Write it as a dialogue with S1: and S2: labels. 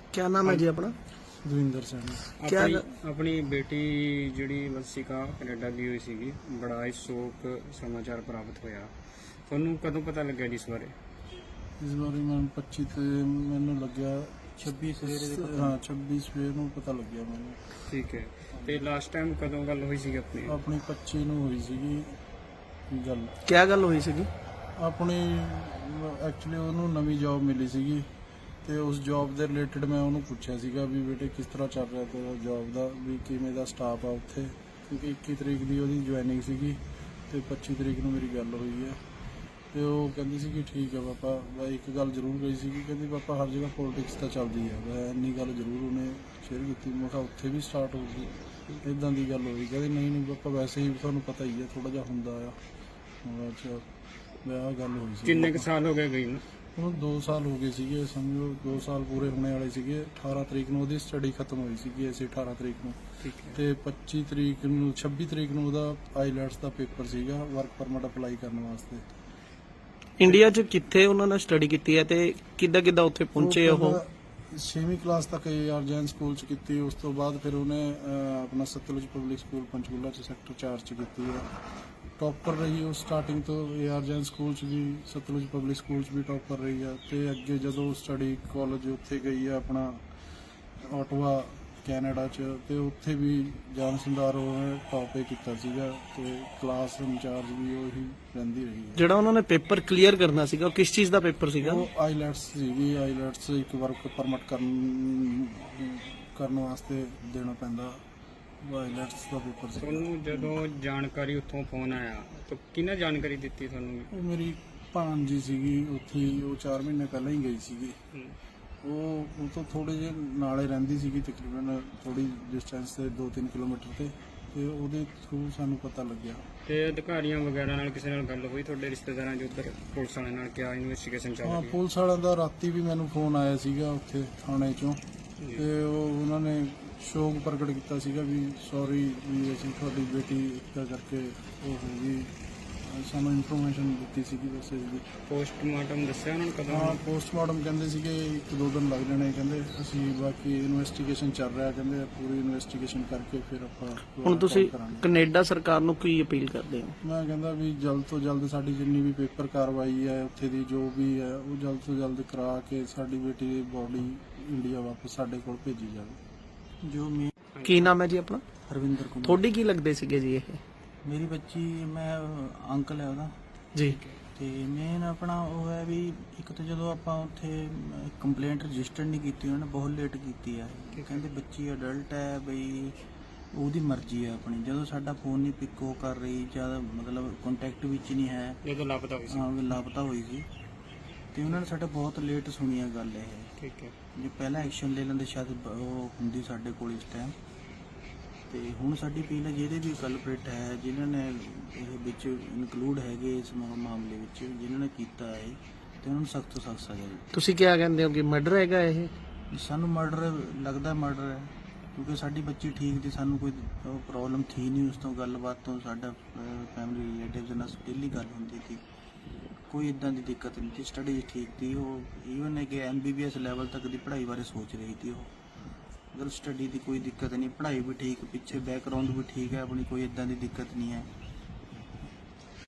S1: क्या नाम है जी अपना?
S2: ਦਵਿੰਦਰ ਸਿੰਘ।
S1: क्या
S3: ਆਪਣੀ ਬੇਟੀ ਜਿਹੜੀ ਵਸਿਕਾ ਕੈਨੇਡਾ ਗਈ ਹੋਈ ਸੀਗੀ, ਬੜਾ ਹੀ ਸ਼ੋਕ ਸਮਾਚਾਰ ਪ੍ਰਾਪਤ ਹੋਇਆ। ਤੁਹਾਨੂੰ ਕਦੋਂ ਪਤਾ ਲੱਗਿਆ ਜੀ ਇਸ ਬਾਰੇ?
S2: ਇਸ ਬਾਰੇ ਮੈਨੂੰ 25 ਤੇ ਮੈਨੂੰ ਲੱਗਿਆ 26 ਸਵੇਰੇ, ਹਾਂ 26 ਸਵੇਰ ਨੂੰ ਪਤਾ ਲੱਗਿਆ ਮੈਨੂੰ।
S3: ਠੀਕ ਹੈ। ਤੇ ਲਾਸਟ ਟਾਈਮ ਕਦੋਂ ਗੱਲ ਹੋਈ ਸੀਗੀ ਆਪਣੀ?
S2: ਆਪਣੀ 25 ਨੂੰ ਹੋਈ ਸੀਗੀ ਗੱਲ।
S1: क्या गल हुई सी?
S2: ਆਪਣੀ ਐਕਚੁਅਲੀ ਉਹਨੂੰ ਨਵੀਂ ਜੌਬ ਮਿਲੀ ਸੀਗੀ ਤੇ ਉਸ ਜੌਬ ਦੇ ਰਿਲੇਟਡ ਮੈਂ ਉਹਨੂੰ ਪੁੱਛਿਆ ਸੀਗਾ ਵੀ ਬੇਟੇ ਕਿਸ ਤਰ੍ਹਾਂ ਚੱਲ ਰਿਹਾ ਤੇਰਾ ਜੌਬ ਦਾ, ਵੀ ਕਿਵੇਂ ਦਾ ਸਟਾਫ ਆ ਉੱਥੇ, ਕਿਉਂਕਿ 21 ਤਰੀਕ ਦੀ ਉਹਦੀ ਜੁਆਇਨਿੰਗ ਸੀਗੀ ਤੇ 25 ਤਰੀਕ ਨੂੰ ਮੇਰੀ ਗੱਲ ਹੋਈ ਹੈ। ਤੇ ਉਹ ਕਹਿੰਦੀ ਸੀ ਕਿ ਠੀਕ ਹੈ ਪਾਪਾ, ਮੈਂ ਇੱਕ ਗੱਲ ਜ਼ਰੂਰ ਕਹੀ ਸੀ ਕਿ ਕਹਿੰਦੀ ਪਾਪਾ ਹਰ ਜਗ੍ਹਾ ਪੋਲਿਟਿਕਸ ਤਾਂ ਚੱਲਦੀ ਹੈ, ਮੈਂ ਇੰਨੀ ਗੱਲ ਜ਼ਰੂਰ ਉਹਨੇ ਸ਼ੇਅਰ ਕੀਤੀ। ਮੈਂ ਕਿਹਾ ਉੱਥੇ ਵੀ ਸਟਾਰਟ ਹੋ ਗਈ ਇੱਦਾਂ ਦੀ ਗੱਲ ਹੋਈ? ਕਹਿੰਦੀ ਨਹੀਂ ਨਹੀਂ ਪਾਪਾ, ਵੈਸੇ ਹੀ ਤੁਹਾਨੂੰ ਪਤਾ ਹੀ ਹੈ ਥੋੜਾ ਜਿਹਾ ਹੁੰਦਾ ਆ। ਅੱਛਾ, ਮੈਂ ਆਹ ਗੱਲ ਹੋਈ ਸੀ।
S3: ਕਿੰਨੇ ਕੁ ਸਾਲ ਹੋ ਗਏ ਗਈ ਨੂੰ?
S2: ਉਹਨੂੰ 2 ਸਾਲ ਹੋ ਗਏ ਸੀਗੇ, ਸਮਝੋ 2 ਸਾਲ ਪੂਰੇ ਹੋਣੇ ਵਾਲੇ ਸੀਗੇ। 18 ਤਰੀਕ ਨੂੰ ਉਹਦੀ ਸਟੱਡੀ ਖਤਮ ਹੋਈ ਸੀਗੀ, ਅਸੀਂ 18 ਤਰੀਕ ਨੂੰ।
S3: ਠੀਕ ਹੈ।
S2: ਤੇ 25 ਤਰੀਕ ਨੂੰ 26 ਤਰੀਕ ਨੂੰ ਉਹਦਾ ਆਈਲੈਟਸ ਦਾ ਪੇਪਰ ਸੀਗਾ, ਵਰਕ ਪਰਮਿਟ ਅਪਲਾਈ ਕਰਨ ਵਾਸਤੇ।
S1: ਇੰਡੀਆ 'ਚ ਕਿੱਥੇ ਉਹਨਾਂ ਨੇ ਸਟੱਡੀ ਕੀਤੀ ਹੈ ਤੇ ਕਿੱਦਾਂ ਕਿੱਦਾਂ ਉੱਥੇ ਪਹੁੰਚੇ ਉਹ?
S2: 6ਵੀਂ ਕਲਾਸ ਤੱਕ ਏਆਰ ਜੈਨ ਸਕੂਲ ਚ ਕੀਤੀ। ਉਸ ਤੋਂ ਬਾਅਦ ਫਿਰ ਉਹਨੇ ਆਪਣਾ ਸਤਲੁਜ ਪਬਲਿਕ ਸਕੂਲ ਪੰਚਕੂਲਾ ਚ ਸੈਕਟਰ 4 ਚ ਕੀਤੀ ਹੈ। ਟੌਪਰ ਰਹੀ ਉਹ ਸਟਾਰਟਿੰਗ ਤੋਂ, ਏਆਰ ਜੈਨ ਸਕੂਲ ਚ ਵੀ, ਸਤਲੁਜ ਪਬਲਿਕ ਸਕੂਲ ਚ ਵੀ ਟੌਪਰ ਰਹੀ ਆ। ਤੇ ਅੱਗੇ ਜਦੋਂ ਸਟੱਡੀ ਕਾਲਜ ਉੱਥੇ ਗਈ ਆ ਆਪਣਾ ਆਟਵਾ ਕੈਨੇਡਾ ਚ, ਤੇ ਉੱਥੇ ਵੀ ਜਾਨ ਸੰਦਾਰ ਉਹਨੇ ਟੌਪ ਹੀ ਕੀਤਾ ਸੀਗਾ ਤੇ ਕਲਾਸ ਇੰਚਾਰਜ ਵੀ ਉਹੀ ਰਹਿੰਦੀ ਰਹੀ ਹੈ।
S1: ਜਿਹੜਾ ਉਹਨਾਂ ਨੇ ਪੇਪਰ ਕਲੀਅਰ ਕਰਨਾ ਸੀਗਾ ਉਹ ਕਿਸ ਚੀਜ਼ ਦਾ ਪੇਪਰ ਸੀਗਾ?
S2: ਉਹ ਆਈਲੈਟਸ ਸੀਗੀ। ਆਈਲੈਟਸ ਇੱਕ ਵਰਕ ਪਰਮਿਟ ਕਰਨ ਵਾਸਤੇ ਦੇਣਾ ਪੈਂਦਾ, ਆਈਲੈਟਸ ਦਾ ਪੇਪਰ ਸੀ।
S3: ਤੁਹਾਨੂੰ ਜਦੋਂ ਜਾਣਕਾਰੀ ਉੱਥੋਂ ਫੋਨ ਆਇਆ ਤਾਂ ਕਿਹਨੇ ਜਾਣਕਾਰੀ ਦਿੱਤੀ ਤੁਹਾਨੂੰ?
S2: ਉਹ ਮੇਰੀ ਭਾਣਜੀ ਸੀਗੀ ਉੱਥੇ ਹੀ, ਉਹ 4 ਮਹੀਨੇ ਪਹਿਲਾਂ ਹੀ ਗਈ ਸੀਗੀ। ਉਹ ਤੋਂ ਥੋੜੇ ਜਿਹੇ ਨਾਲੇ ਰਹਿੰਦੀ ਸੀਗੀ, ਤਕਰੀਬਨ ਥੋੜੀ ਡਿਸਟੈਂਸ ਤੇ 2-3 ਕਿਲੋਮੀਟਰ ਤੇ ਉਹਦੇ ਥਰੂ ਸਾਨੂੰ ਪਤਾ ਲੱਗਿਆ।
S3: ਤੇ ਅਧਿਕਾਰੀਆਂ ਵਗੈਰਾ ਨਾਲ ਕਿਸੇ ਨਾਲ ਗੱਲ ਹੋਈ ਤੁਹਾਡੇ ਰਿਸ਼ਤੇਦਾਰਾਂ ਜੋ ਉੱਧਰ ਪੁਲਿਸ ਵਾਲਿਆਂ ਨਾਲ? ਕਿਆ ਇਨਵੈਸਟੀਗੇਸ਼ਨ ਚੱਲ
S2: ਹਾਂ,
S3: ਰਹੀ ਹੈ?
S2: ਪੁਲਿਸ ਵਾਲਿਆਂ ਦਾ ਰਾਤੀ ਵੀ ਮੈਨੂੰ ਫੋਨ ਆਇਆ ਸੀਗਾ ਉੱਥੇ ਥਾਣੇ ਚੋਂ, ਤੇ ਉਹਨਾਂ ਨੇ ਸ਼ੋਕ ਪ੍ਰਗਟ ਕੀਤਾ ਸੀਗਾ ਵੀ ਸੌਰੀ ਵੀ ਅਸੀਂ ਤੁਹਾਡੀ ਬੇਟੀ ਇੱਦਾਂ ਕਰਕੇ ਉਹ ਹੋ ਗਈ। ਸਾਨੂੰ ਇਨਫੋਰਮੇਸ਼ਨ ਦਿੱਤੀ ਸੀਗੀ ਵੈਸੇ ਜੀ।
S3: ਪੋਸਟਮਾਰਟਮ ਦੱਸਿਆ ਉਹਨਾਂ ਨੂੰ ਕਦੋਂ?
S2: ਹਾਂ, ਪੋਸਟਮਾਰਟਮ ਕਹਿੰਦੇ ਸੀਗੇ 1-2 ਦਿਨ ਲੱਗ ਜਾਣੇ, ਕਹਿੰਦੇ ਅਸੀਂ ਬਾਕੀ ਇਨਵੈਸਟੀਗੇਸ਼ਨ ਚੱਲ ਰਿਹਾ, ਕਹਿੰਦੇ ਪੂਰੀ ਇਨਵੈਸਟੀਗੇਸ਼ਨ ਕਰਕੇ ਫਿਰ ਆਪਾਂ
S1: ਹੁਣ ਤੁਸੀਂ
S2: ਕਰਾਂਗੇ।
S1: ਕੈਨੇਡਾ ਸਰਕਾਰ ਨੂੰ ਕੀ ਅਪੀਲ ਕਰਦੇ ਹੋ?
S2: ਮੈਂ ਕਹਿੰਦਾ ਵੀ ਜਲਦ ਤੋਂ ਜਲਦ ਸਾਡੀ ਜਿੰਨੀ ਵੀ ਪੇਪਰ ਕਾਰਵਾਈ ਹੈ ਉੱਥੇ ਦੀ ਜੋ ਵੀ ਹੈ ਉਹ ਜਲਦ ਤੋਂ ਜਲਦ ਕਰਾ ਕੇ ਸਾਡੀ ਬੇਟੀ ਦੀ ਬੋਡੀ ਇੰਡੀਆ ਵਾਪਸ ਸਾਡੇ ਕੋਲ ਭੇਜੀ ਜਾਵੇ। ਜੋ ਮੈਂ
S1: ਕੀ ਨਾਮ ਹੈ ਜੀ ਆਪਣਾ?
S4: ਹਰਵਿੰਦਰ ਕੁਮਾਰ।
S1: ਤੁਹਾਡੀ ਕੀ ਲੱਗਦੇ ਸੀਗੇ ਜੀ ਇਹ?
S4: ਮੇਰੀ ਬੱਚੀ, ਮੈਂ ਅੰਕਲ ਹੈ ਉਹਦਾ।
S1: ਜੀ।
S4: ਤੇ ਮੇਨ ਆਪਣਾ ਉਹ ਹੈ ਵੀ ਇੱਕ ਤਾਂ ਜਦੋਂ ਆਪਾਂ ਉੱਥੇ ਕੰਪਲੇਂਟ ਰਜਿਸਟਰ ਨਹੀਂ ਕੀਤੀ, ਉਹਨਾਂ ਨੇ ਬਹੁਤ ਲੇਟ ਕੀਤੀ ਹੈ ਕਿ ਕਹਿੰਦੇ ਬੱਚੀ ਅਡਲਟ ਹੈ, ਬਈ ਉਹਦੀ ਮਰਜ਼ੀ ਹੈ ਆਪਣੀ। ਜਦੋਂ ਸਾਡਾ ਫੋਨ ਨਹੀਂ ਪਿਕ ਉਹ ਕਰ ਰਹੀ, ਜਦ ਮਤਲਬ ਕੰਟੈਕਟ ਵਿੱਚ ਨਹੀਂ ਹੈ,
S3: ਜਦੋਂ ਲਾਪਤਾ ਹੋਈ ਸੀ?
S4: ਹਾਂ ਲਾਪਤਾ ਹੋਈ ਸੀ। ਤੇ ਉਹਨਾਂ ਨੇ ਸਾਡਾ ਬਹੁਤ ਲੇਟ ਸੁਣੀ ਹੈ ਗੱਲ ਇਹ।
S3: ਠੀਕ ਹੈ।
S4: ਜੇ ਪਹਿਲਾਂ ਐਕਸ਼ਨ ਲੈ ਲੈਂਦੇ ਸ਼ਾਇਦ ਉਹ ਹੁੰਦੀ ਸਾਡੇ ਕੋਲ ਇਸ ਟਾਈਮ। ਤੇ ਹੁਣ ਸਾਡੀ ਅਪੀਲ ਹੈ ਜਿਹੜੇ ਵੀ ਕਲਪ੍ਰੇਟ ਹੈ, ਜਿਨ੍ਹਾਂ ਨੇ ਇਹ ਵਿੱਚ ਇਨਕਲੂਡ ਹੈਗੇ ਇਸ ਮਾਮਲੇ ਵਿੱਚ, ਜਿਨ੍ਹਾਂ ਨੇ ਕੀਤਾ ਹੈ, ਤੇ ਉਹਨਾਂ ਨੂੰ ਸਖਤ ਤੋਂ ਸਖਤ ਸਜ਼ਾ ਦਿਓ।
S1: ਤੁਸੀਂ ਕੀ ਕਹਿੰਦੇ ਹੋ ਕਿ ਮਰਡਰ ਹੈਗਾ ਇਹ?
S4: ਸਾਨੂੰ ਮਰਡਰ ਲੱਗਦਾ, ਮਰਡਰ ਹੈ, ਕਿਉਂਕਿ ਸਾਡੀ ਬੱਚੀ ਠੀਕ ਸੀ, ਸਾਨੂੰ ਕੋਈ ਪ੍ਰੋਬਲਮ ਥੀ ਨਹੀਂ ਉਸ ਤੋਂ, ਗੱਲਬਾਤ ਤੋਂ ਸਾਡਾ ਫੈਮਿਲੀ ਰਿਲੇਟਿਵਸ ਨਾਲ ਡੇਲੀ ਗੱਲ ਹੁੰਦੀ ਸੀ, ਕੋਈ ਇਦਾਂ ਦੀ ਦਿੱਕਤ ਨਹੀਂ ਸੀ, ਸਟੱਡੀ ਠੀਕ ਸੀ। ਉਹ ਈਵਨ ਹੈ ਕਿ MBBS ਲੈਵਲ ਤੱਕ ਦੀ ਪੜ੍ਹਾਈ ਬਾਰੇ ਸੋਚ ਰਹੀ ਸੀ ਉਹ। ਮਤਲਬ ਸਟੱਡੀ ਦੀ ਕੋਈ ਦਿੱਕਤ ਨਹੀਂ, ਪੜ੍ਹਾਈ ਵੀ ਠੀਕ, ਪਿੱਛੇ ਬੈਕਗ੍ਰਾਉਂਡ ਵੀ ਠੀਕ ਹੈ ਆਪਣੀ, ਕੋਈ ਇਦਾਂ ਦੀ ਦਿੱਕਤ ਨਹੀਂ ਹੈ।